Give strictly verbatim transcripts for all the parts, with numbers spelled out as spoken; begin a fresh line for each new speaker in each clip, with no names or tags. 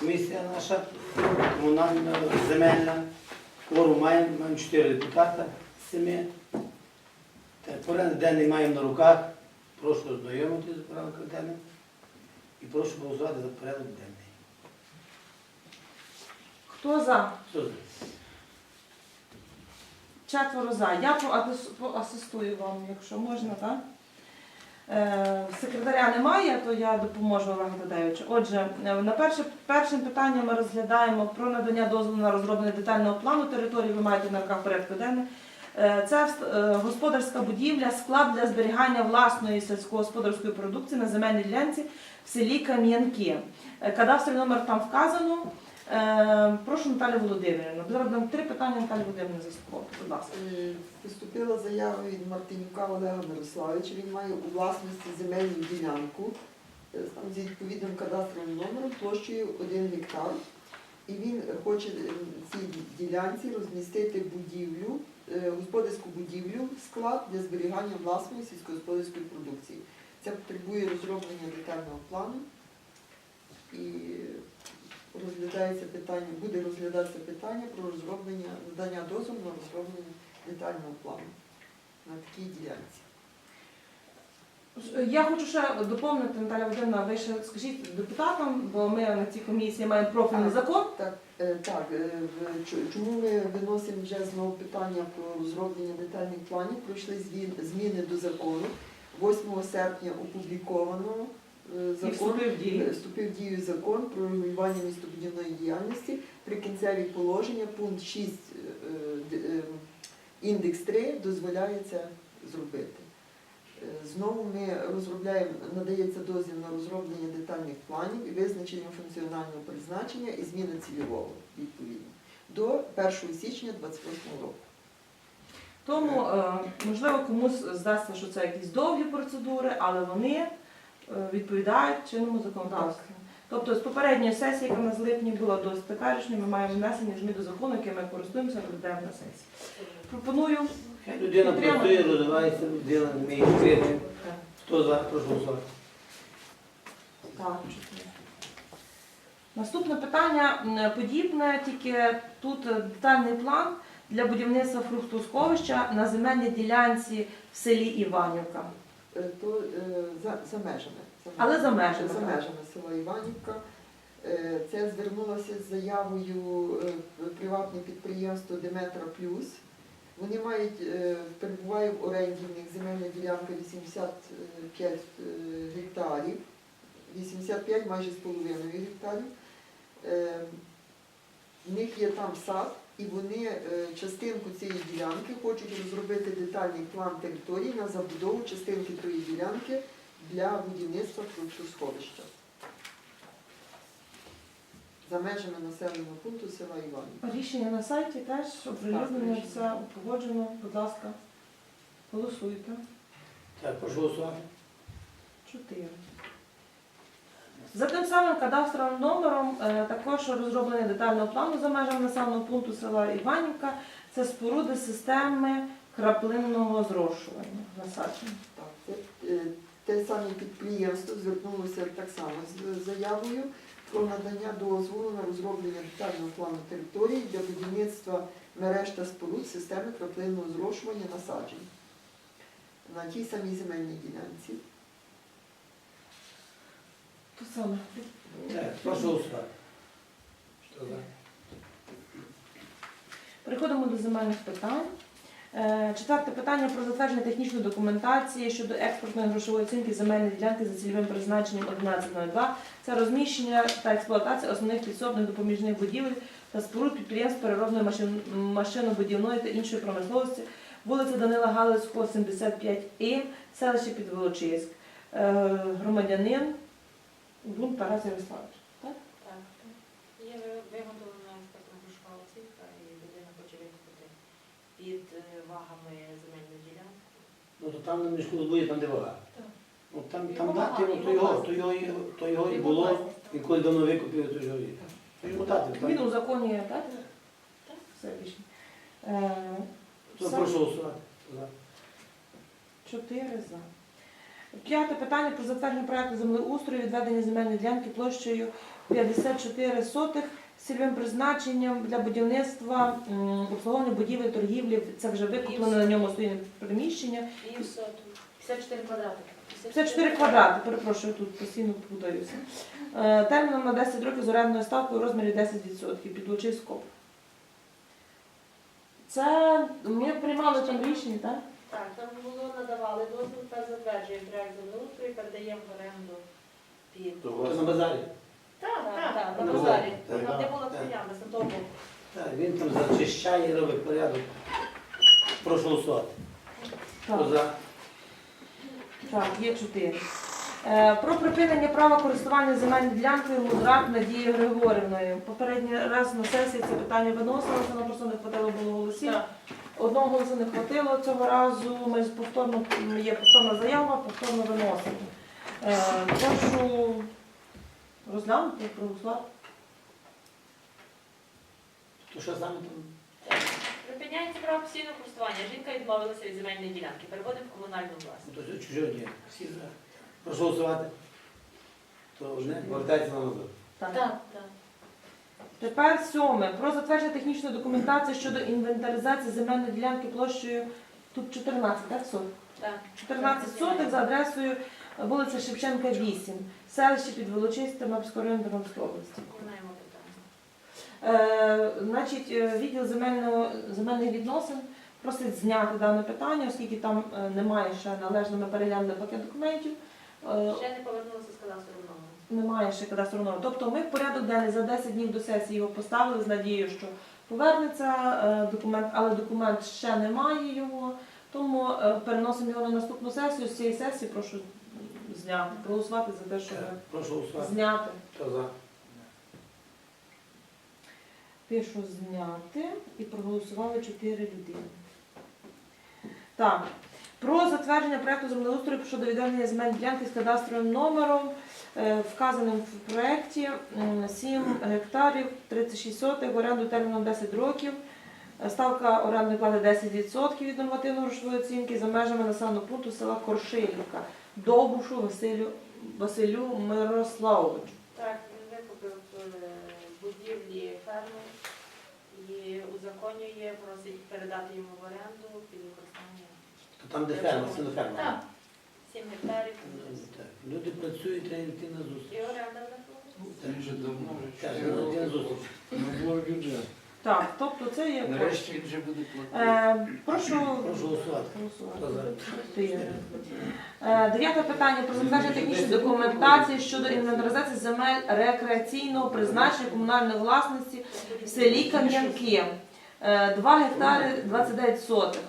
комісія наша, комунальна, земельна. Кворум маємо, маємо чотири депутата з семи. Порядок денний маємо на руках. Прошу ознайомитися з порядком денним і прошу голосувати за порядок денний.
Хто за?
Хто за?
Четверо за. Я поатис- поасистую вам, якщо можна, так? Е, Секретаря немає, то я допоможу Олегу Тадеючу. Отже, е, на перше, першим питанням ми розглядаємо про надання дозволу на розроблення детального плану території. Ви маєте на руках порядку денний. Е, Це е, господарська будівля, склад для зберігання власної сільськогосподарської продукції на земельній ділянці в селі Кам'янки. Е, Кадастровий номер там вказано. Е, Прошу Наталію Володимирівну. Зараз дам три питання Наталі Володимирівні заслуховувати. Будь ласка.
Е, Поступила заява від Мартинюка Олега Мирославовича. Він має у власності земельну ділянку е, там, з відповідним кадастровим номером площею один гектар. І він хоче е, в цій ділянці розмістити будівлю, е, господарську будівлю, склад для зберігання власної сільськогосподарської продукції. Це потребує розроблення детального плану. І розглядається питання, буде розглядатися питання про розроблення, надання дозволу на розроблення детального плану на такій ділянці.
Я хочу ще доповнити, Наталя Володимирівна, ви ще скажіть депутатам, бо ми на цій комісії маємо профільний
А,
закон.
Так, е, так, е, в- ч- чому ми виносимо вже знову питання про розроблення детальних планів? Пройшли звін- зміни до закону. восьмого серпня опубліковано е,
І
закон.
вступив в дію.
Вступив в дію закон про регулювання містобудівної діяльності. Прикінцеві положення, пункт шість, е, д- е, індекс три дозволяється зробити. Е, Знову ми розробляємо, надається дозвіл на розроблення детальних планів і визначення функціонального призначення і зміни цільового відповідно до першого січня двадцять восьмого року.
Тому, е, можливо, комусь здасться, що це якісь довгі процедури, але вони е, відповідають чинному законодавству. Тобто з попередньої сесії, яка в нас в липні була до теперішньої, ми маємо внесення змін до закону, яким ми користуємося, розглядаємо на сесії. Пропоную.
Хай людина
Підтримати.
працює, розвивається, людина не вміє жити. Хто за? Прошу голосувати.
Так, чотири. Наступне питання м, подібне, тільки тут е, детальний план для будівництва фруктосховища на земельній ділянці в селі Іванівка.
Е, То е, за, за межами. За
Але за межами,
За
так.
межами села Іванівка. Е, Це звернулося з заявою е, приватне підприємство Деметра Плюс. Вони мають, е, перебуває в оренді, в них земельна ділянка вісімдесят п'ять е, гектарів, вісімдесят п'ять майже з половиною гектарів. Е, В них є там сад, і вони е, частинку цієї ділянки хочуть розробити детальний план території на забудову частинки тої ділянки для будівництва фруктосховища за межами населеного пункту села Іванівка.
Рішення на сайті теж оприлюднено, все погоджено. Будь ласка, голосуйте.
Так, прошу голосувати.
Чотири. За тим самим кадастровим номером е, також розроблення детального плану за межами населеного пункту села Іванівка. Це споруди системи краплинного зрошування насадження.
Так, це, е, те саме підприємство звернулося так само з заявою про надання дозволу на розроблення детального плану території для будівництва мереж та споруд системи краплинного зрошування насаджень на тій самій земельній ділянці.
То саме.
Так, прошу голосувати. Хто за?
Переходимо до земельних питань. Е, Четверте питання про затвердження технічної документації щодо експортної грошової оцінки земельної ділянки за цільовим призначенням одинадцять нуль два. Це розміщення та експлуатація основних підсобних допоміжних будівель та споруд підприємств переробної машин- машинобудівної та іншої промисловості, вулиця Данила Галицького, сімдесят п'ять І, селище Підволочиськ. Е, Громадянин Гун Тарас Ярославович. Так?
Так, є виготовлена експертна грошова оцінка і людина хоче викупити під е, вагами земельну ділянку.
Ну, то там на мішку збує, там де вага.
Так.
Ну, там,
Його
там дати,
вага,
ну, то
його
його,
власність.
то його, і- то його і
Його
було,
власність.
і коли давно викупили, то його є. То йому дати.
Він
так.
у законі, так?
Так.
Все рішення. Е,
То
все.
прошу голосувати. За.
Чотири за. П'яте питання про затвердження проекту землеустрою відведення земельної ділянки площею п'ятдесят чотири сотих з цільовим призначенням для будівництва, м, обслуговування будівель, торгівлі. Це вже викуплено на ньому стоїть приміщення.
І соту. п'ятдесят чотири квадрати.
п'ятдесят чотири квадрати, перепрошую, тут постійно путаюся. Е, Терміном на десять років з орендною ставкою у розмірі десять відсотків під Лучиськоп. Це ми приймали там рішення, так?
Так, там було надавали дозвіл та затверджує проект землеустрою, передаємо в оренду під...
То на базарі.
Так, так, так,
На
на
базарі.
базарі.
Так,
Там де
так,
була
так.
стоянка, з того боку.
Так, він там зачищає і робить порядок. Прошу голосувати. Хто
Так.
за?
Так, є чотири. Е, Про припинення права користування земельною ділянкою Мудрак Надією Григорівною. Попередній раз на сесії це питання виносилося, нам просто не хватило було голосів.
Так.
Одного голосу не хватило цього разу. Ми з повторно є повторна заява, повторно виносимо. Е, Прошу розглянути, проголосувати.
То що саме там?
Припиняється право постійного користування. Жінка відмовилася від земельної ділянки. Переводимо в комунальну власність.
То це чужого ні. Всі за. Прошу голосувати. То одне повертається на назад.
Так.
Так, так.
Тепер сьоме. Про затвердження технічної документації щодо інвентаризації земельної ділянки площею тут чотирнадцять, так, соток?
Так.
чотирнадцять соток за адресою вулиця Шевченка, вісім, селище Підволочиськ, Тернопільського району Тернопільської області.
Виконуємо питання.
Е, значить, е, відділ земельного, земельних відносин просить зняти дане питання, оскільки там е, немає ще належно, ми переглянули пакет документів. Е,
Ще не повернулася з кадастрового номеру.
Немає ще кадастрового номеру. Тобто ми в порядок денний за десять днів до сесії його поставили з надією, що повернеться е, документ, але документ ще немає його, тому е, переносимо його на наступну сесію. З цієї сесії прошу зняти, проголосувати за те, щоб
Так, прошу голосувати.
зняти.
Хто за?
Пишу зняти і проголосували чотири людини. Так. Про затвердження проекту землеустрою щодо відведення земельної ділянки з кадастровим номером, е, вказаним в проєкті, м, сім гектарів, тридцять шість сотих, в оренду терміном десять років. Е, Ставка орендної плати десять відсотків від нормативно-грошової оцінки за межами населеного пункту села Коршилівка. Довбушу Василю, Василю Мирославовичу.
Так, він викупив е, будівлі ферми і узаконює, просить передати йому в оренду під використання.
То там, де ферма, це не ферма.
Так, сім гектарів.
Ну, так. Люди працюють, треба йти на
І
зустріч.
оренда виходить.
Так.
Він же давно вже
Так,
чотири
ну, йти на
роки
зустріч.
не було бюджету.
Так, тобто це є.
Нарешті він вже буде платити.
Е, прошу
Прошу голосувати. Хто за?
Чотири. Е, Дев'яте питання про затвердження технічної документації щодо інвентаризації земель рекреаційного призначення комунальної власності в селі Кам'янки. Е, два гектари двадцять дев'ять сотих.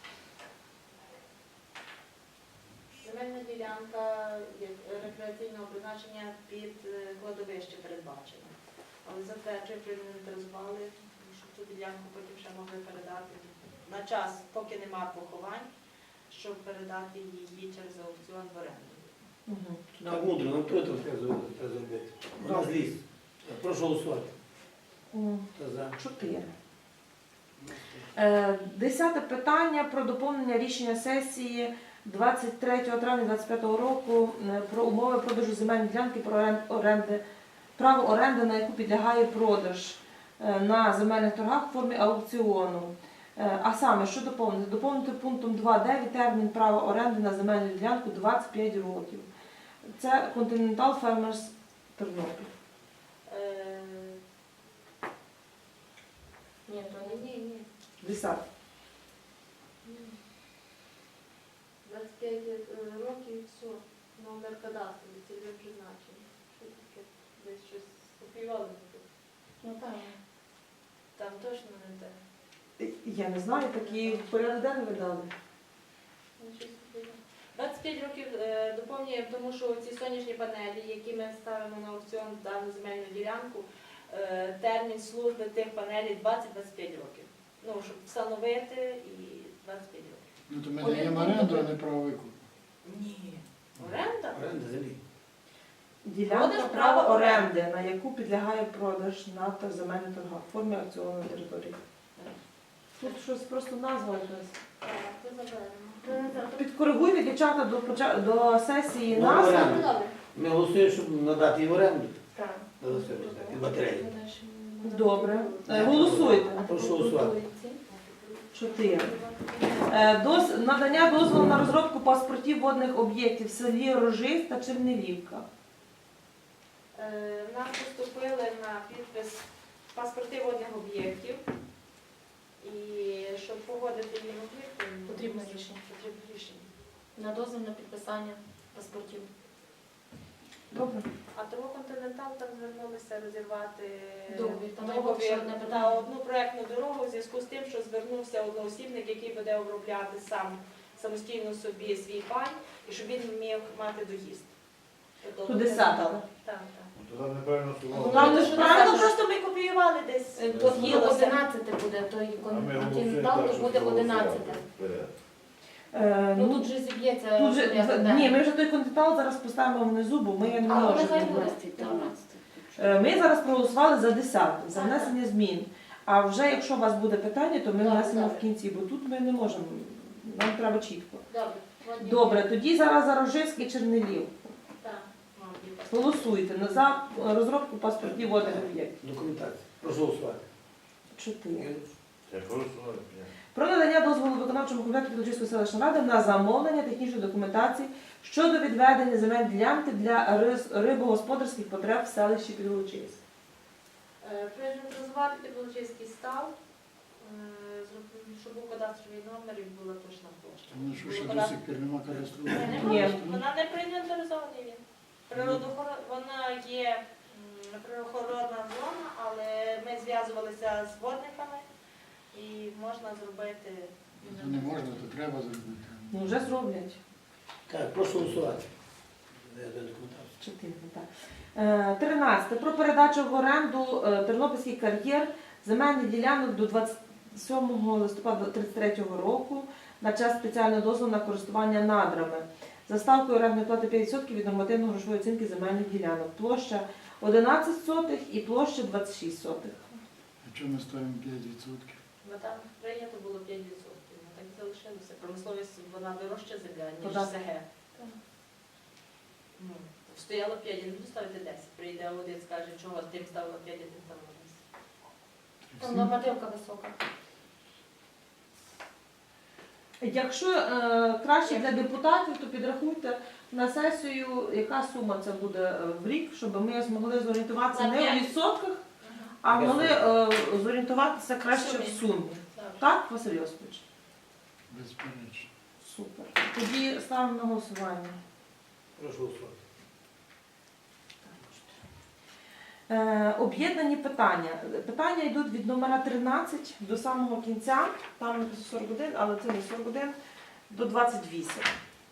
Земельна ділянка є рекреаційного призначення під е, кладовище передбачена. Але затверджує, проінвентаризували, щоб цю ділянку потім ще могли передати на час, поки нема поховань, щоб передати її через аукціон в оренду.
Угу.
Так мудро, нам хто це треба зробити? Треба зробити. У нас ліс. Так, прошу голосувати. Хто за?
Чотири. Е, Десяте питання про доповнення рішення сесії двадцять третього травня двадцять п'ятого року е, про умови продажу земельної ділянки про орен- оренди, право оренди, на яку підлягає продаж е, на земельних торгах в формі аукціону. Е, А саме, що доповнити? Доповнити пунктом два punkt дев'ять термін права оренди на земельну ділянку двадцять п'ять років. Це Continental Farmers Тернопіль.
Е, Ні, то ні, ні, ні.
Десяте.
двадцять п'ять е, років, все, номер кадастру, цільове призначення. Що таке? Десь щось копіювали тут.
Ну так.
Там точно не те.
Я не знаю, такі порядок денний видали.
Ну, щось копіювали. двадцять п'ять років е, доповнюємо, тому що ці сонячні панелі, які ми ставимо на аукціон в дану земельну ділянку, е, термін служби тих панелей двадцять - двадцять п'ять років. Ну, щоб встановити і двадцять п'ять років.
Ну то ми
Один
даємо
пункт
оренду, а
один.
не право викупу.
Ні. Оренда?
Оренда землі.
Ділянка
Продаж
права
права
оренди, на яку підлягає продаж на та земельних торгах в формі аукціонної території. Тут щось просто назва якась.
Так, то заберемо.
Підкоригуйте, дівчата, до, поча- до сесії
Ну,
нас.
оренду.
Добре.
Ми голосуємо, щоб надати їм оренду.
Так.
Голосуємо, і батареї.
Добре. Е, Голосуйте.
Прошу голосувати.
Чотири. Е, доз- Надання дозволу на розробку паспортів водних об'єктів в селі Рожиськ та Чернелівка.
Е, Нам поступили на підпис паспорти водних об'єктів. І щоб погодити їм об'єкти,
Потрібне рішення.
Потрібне рішення.
На дозвіл на підписання паспортів.
Добре.
А того континентал там звернулися розірвати
Договір. Там
договір
найбільше одне
на
питання.
одну проектну дорогу в зв'язку з тим, що звернувся одноосібник, який буде обробляти сам самостійно собі свій пай, і щоб він міг мати доїзд. Тобто,
Туди садили.
Так, так.
Туди неправильно
Ну,
слово.
Там
то,
не
що
правильно,
ти
Ну,
кажеш,
просто ми копіювали десь.
е, то
з'їлося.
одинадцяте буде, той континентал, то буде одинадцяте.
Е,
Ну
ну,
тут же зіб'ється.
тут же,
порядок
ні,
денний.
ми вже той континентал зараз поставимо внизу, бо ми не
Але
можемо.
нехай буде одинадцяте.
Е, Ми зараз проголосували за десяте, за внесення змін. А вже якщо у вас буде питання, то ми
Добре,
внесемо
добре.
в кінці, бо тут ми не можемо. Нам треба чітко.
Добре. Водні
Добре, тоді зараз за Рожиськ і Чернелів.
Так.
Голосуйте на за розробку паспортів водних об'єктів.
Документація. Прошу голосувати.
Чотири.
Я прошу слово.
Про надання дозволу виконавчому комітету Підлучівської селищної ради на замовлення технічної документації щодо відведення земель ділянки для риз- рибогосподарських потреб в селищі Підлучівськ.
Е, Проінвентаризувати Підволочиський став, е, зроб- щоб був кадастровий номер і була точна площа.
Тому що
Було
ще до
кадастр-
сих пір нема
Ні,
кадастрового.
Ні.
Вона не проінвентаризований він. Природоохорон... Вона є м, природоохоронна зона, але ми зв'язувалися з водниками і можна зробити.
То не можна, то треба зробити.
Ну вже зроблять.
Так, прошу голосувати. Я даю документацію.
Чотири, так. Е, Тринадцяте. Про передачу в оренду е, Тернопільський кар'єр земельних ділянок до двадцять сьомого листопада тридцять третього року на час спеціального дозволу на користування надрами. За ставкою орендної плати п'ять відсотків від нормативно-грошової оцінки земельних ділянок. Площа одинадцять сотих і площа двадцять шість сотих.
А чому ми ставимо п'ять відсотків?
Бо там прийнято було п'ять відсотків. Ну, так і залишилося. Промисловість вона дорожча земля, ніж
Податок.
СГ. Ну, стояло п'ять, я не буду ставити десять. Прийде один, скаже, чого тим ставила п'ять, а тим ставила десять.
Там нормативка висока.
Якщо е, краще для депутатів, то підрахуйте на сесію, яка сума це буде е, в рік, щоб ми змогли зорієнтуватися
На
не у
п'ять.
відсотках, а
Яка
могли е, зорієнтуватися краще
Сумі.
в сумі.
Так.
Так, Василь Йосипович?
Безперечно.
Супер. Тоді ставимо на голосування.
Прошу голосувати.
Е, об'єднані питання. Питання йдуть від номера тринадцять до самого кінця. Там написано сорок один, але це не сорок один, до двадцять вісім.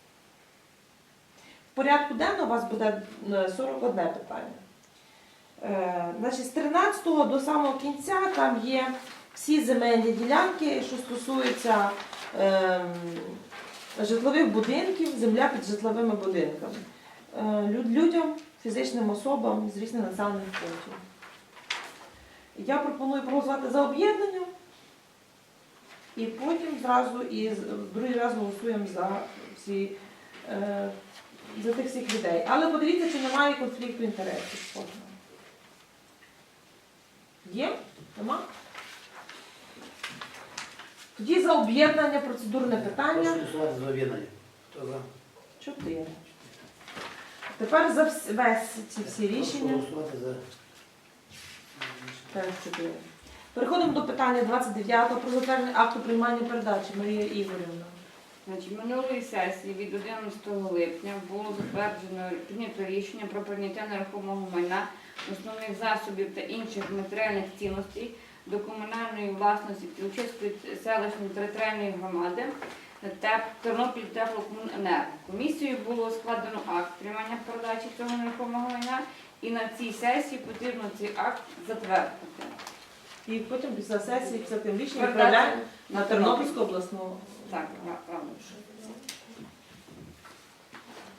В порядку денного у вас буде е, сорок одне питання. Е, значить, з тринадцятого до самого кінця там є всі земельні ділянки, що стосуються е, житлових будинків, земля під житловими будинками. Е, люд- людям, фізичним особам з різних населених пунктів. Я пропоную проголосувати за об'єднання і потім зразу і з- другий раз голосуємо за всі е, за тих всіх людей. Але подивіться, чи немає конфлікту інтересів з кожного. Є? Нема? Тоді за об'єднання процедурне питання.
Прошу голосувати за об'єднання. Хто за?
Чотири. Тепер за вс- весь ці всі
Прошу
рішення.
голосувати за.
Теж чотири. Переходимо до питання двадцять дев'ятого про затвердження акту приймання передачі. Марія Ігорівна.
Значить, минулої сесії від одинадцятого липня було затверджено прийнято рішення про прийняття нерухомого майна, основних засобів та інших матеріальних цінностей до комунальної власності Підлучівської селищної територіальної громади ТЕП Тернопіль Теплокомуненерго. Комісією було складено акт приймання передачі цього нерухомого майна, і на цій сесії потрібно цей акт затвердити.
І потім після сесії, після тим рішення
Передача
відправляємо на Тернопільську обласну.
Так, правильно.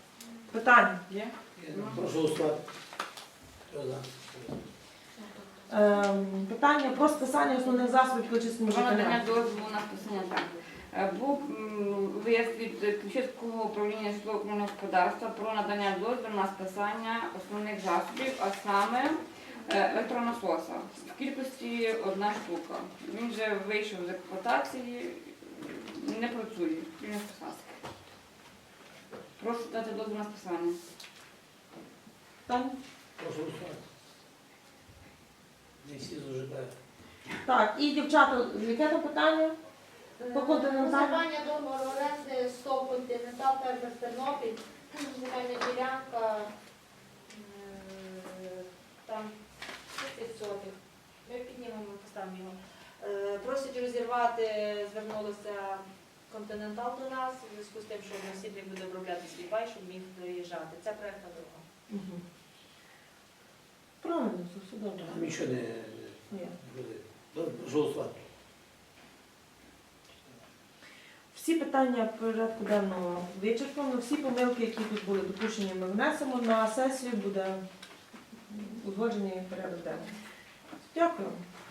Питання є?
Прошу голосувати. Хто за?
Ем, питання про списання основних засобів Ключівському
Про надання
ЖКГ.
дозволу на списання так. Е, Був м, лист від Ключівського управління житлово-комунального господарства про надання дозволу на списання основних засобів, а саме е, електронасоса. В кількості одна штука. Він вже вийшов з експлуатації, не працює, він не списався. Прошу дати дозвіл на списання.
Питання?
Прошу голосувати. Не всі зужикають.
Так, і дівчата, яке там питання? По континенталу?
Розірвання договору оренди СТОВ «Континентал», фермер Тернопіль, земельна ділянка, е, там тридцять сотих. Ми піднімемо, поставимо його. Е, Просять розірвати, звернулося «Континентал» до нас, у зв'язку з тим, що односібник буде обробляти свій пай, щоб міг доїжджати. Це проєктна дорога.
Угу. Правильно, це все добре.
Там нічого не
Ні.
буде. Добре, прошу голосувати.
Всі питання порядку денного вичерпано, всі помилки, які тут були допущені, ми внесемо на сесію, буде узгоджений порядок денний. Дякую.